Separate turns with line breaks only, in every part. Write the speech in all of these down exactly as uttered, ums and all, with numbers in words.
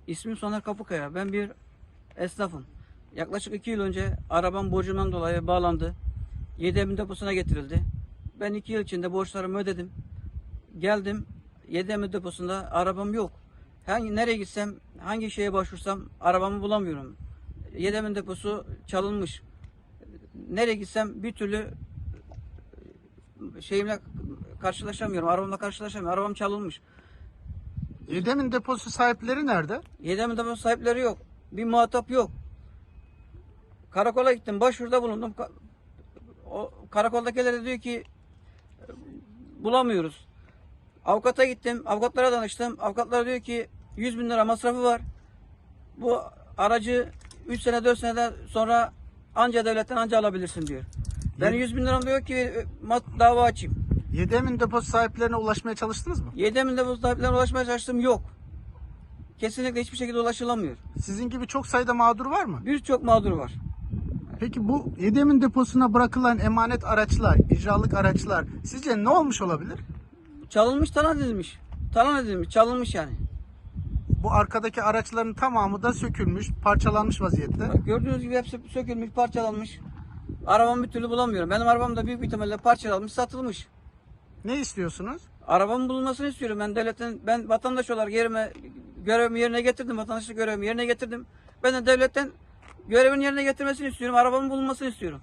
İsmim Soner Kapıkaya. Ben bir esnafım. Yaklaşık iki yıl önce arabam borcumdan dolayı bağlandı. yedi Emin deposuna getirildi. Ben iki yıl içinde borçlarımı ödedim. Geldim. yedi Emin deposunda arabam yok. Hangi nereye gitsem, hangi şeye başvursam arabamı bulamıyorum. yedi Emin deposu çalınmış. Nereye gitsem bir türlü şeyimle karşılaşamıyorum. Arabamla karşılaşamıyorum. Arabam çalınmış.
yedi Emin deposu sahipleri nerede?
yedi Emin deposu sahipleri yok. Bir muhatap yok. Karakola gittim, başvuruda bulundum. O karakoldakiler de diyor ki bulamıyoruz. Avukata gittim, avukatlara danıştım. Avukatlar diyor ki yüz bin lira masrafı var. Bu aracı üç sene dört seneden sonra anca devletten anca alabilirsin diyor. Ben yüz bin liram diyor ki dava açayım.
yedi Emin deposu sahiplerine ulaşmaya çalıştınız mı?
yedi Emin deposu sahiplerine ulaşmaya çalıştım, yok. Kesinlikle hiçbir şekilde ulaşılamıyor.
Sizin gibi çok sayıda mağdur var mı?
Birçok mağdur var.
Peki bu yedi Emin deposuna bırakılan emanet araçlar, icralık araçlar sizce ne olmuş olabilir?
Çalınmış, talan edilmiş. Talan edilmiş, çalınmış yani.
Bu arkadaki araçların tamamı da sökülmüş, parçalanmış vaziyette.
Bak, gördüğünüz gibi hepsi sökülmüş, parçalanmış. Arabamı bir türlü bulamıyorum. Benim arabam da büyük bir ihtimalle parçalanmış, satılmış.
Ne istiyorsunuz?
Arabamın bulunmasını istiyorum. Ben devletten, ben vatandaş olarak yerime, görevimi yerine getirdim. Vatandaşlık görevimi yerine getirdim. Ben de devletten görevini yerine getirmesini istiyorum. Arabamın bulunmasını istiyorum.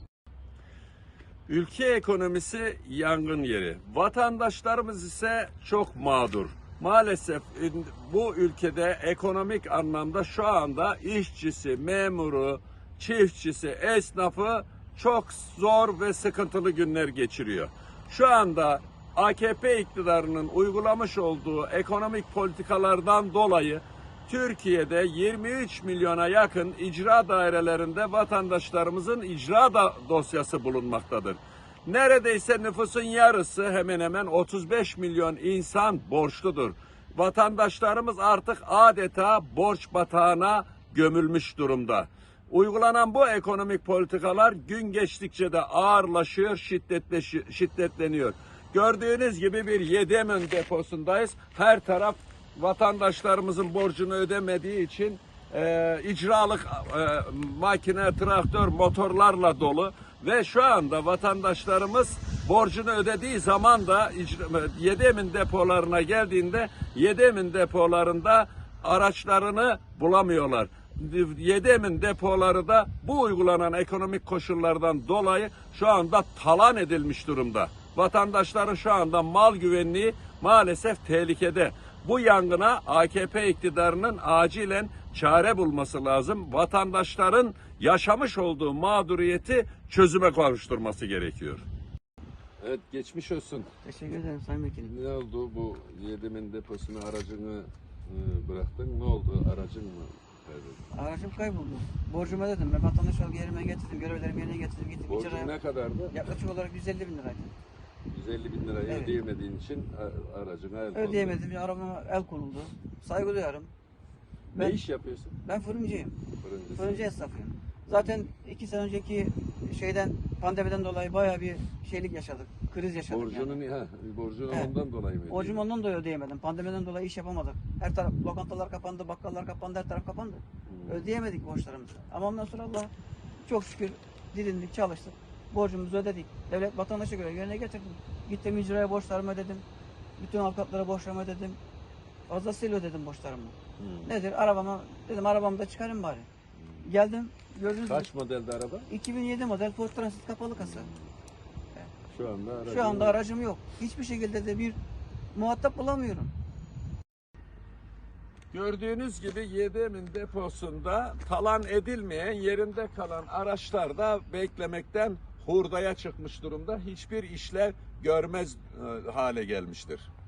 Ülke ekonomisi yangın yeri. Vatandaşlarımız ise çok mağdur. Maalesef bu ülkede ekonomik anlamda şu anda işçisi, memuru, çiftçisi, esnafı çok zor ve sıkıntılı günler geçiriyor. Şu anda A K P iktidarının uygulamış olduğu ekonomik politikalardan dolayı Türkiye'de yirmi üç milyona yakın icra dairelerinde vatandaşlarımızın icra da dosyası bulunmaktadır. Neredeyse nüfusun yarısı, hemen hemen otuz beş milyon insan borçludur. Vatandaşlarımız artık adeta borç batağına gömülmüş durumda. Uygulanan bu ekonomik politikalar gün geçtikçe de ağırlaşıyor, şiddetleşiyor, şiddetleniyor. Gördüğünüz gibi bir yedi Emin deposundayız. Her taraf vatandaşlarımızın borcunu ödemediği için e, icralık e, makine, traktör, motorlarla dolu ve şu anda vatandaşlarımız borcunu ödediği zaman da yedi Emin depolarına geldiğinde yedi Emin depolarında araçlarını bulamıyorlar. yedi Emin depoları da bu uygulanan ekonomik koşullardan dolayı şu anda talan edilmiş durumda. Vatandaşların şu anda mal güvenliği maalesef tehlikede. Bu yangına A K P iktidarının acilen çare bulması lazım. Vatandaşların yaşamış olduğu mağduriyeti çözüme kavuşturması gerekiyor. Evet, geçmiş olsun.
Teşekkür ederim Sayın Vekilim.
Ne oldu bu yedi Emin deposuna aracını e, bıraktın? Ne oldu? Aracın mı kaybettin?
Aracım kayboldu. Borcumu ödedim. Ben vatandaş olarak yerime getirdim. Görevlerimi yerine getirdim. Gittim
Borcun
icraya.
ne kadardı?
Yaklaşık olarak yüz elli bin liraydı.
yüz elli bin lirayı
Evet.
ödeyemediğin için a- aracına el kondu.
Ödeyemedim. Arabama el konuldu. Saygı duyarım.
Ne
Ben,
iş yapıyorsun?
ben fırıncıyım.
Fırıncısın.
Fırıncı esnafıyım. Zaten iki sene önceki şeyden, pandemiden dolayı bayağı bir şeylik yaşadık. Kriz yaşadık.
Borcunu
yani.
niye? Ha, borcunu
Evet.
ondan dolayı mı?
Borcumu ondan dolayı ödeyemedim. Pandemiden dolayı iş yapamadık. Her taraf, lokantalar kapandı, bakkallar kapandı, her taraf kapandı.
Hmm.
Ödeyemedik borçlarımızı. Ama ondan sonra Allah çok şükür didindik, çalıştık. Borcumuzu ödedik. Devlet vatandaşa göre yerine getirdim. Gittim icraya borçlarımı ödedim. Bütün avukatlara borçlarımı ödedim. Fazlasıyla ödedim borçlarımı.
Hmm.
Nedir? Arabama, dedim arabamı da çıkarayım bari. Geldim, gördüğünüz
Kaç
gibi
modeldi araba?
iki bin yedi model Ford Transit kapalı kasa.
Şu anda aracın
Şu anda aracım yok. Hiçbir şekilde de bir muhatap bulamıyorum.
Gördüğünüz gibi yedi Emin deposunda talan edilmeyen, yerinde kalan araçlar da beklemekten hurdaya çıkmış durumda. Hiçbir işlev görmez e, hale gelmiştir.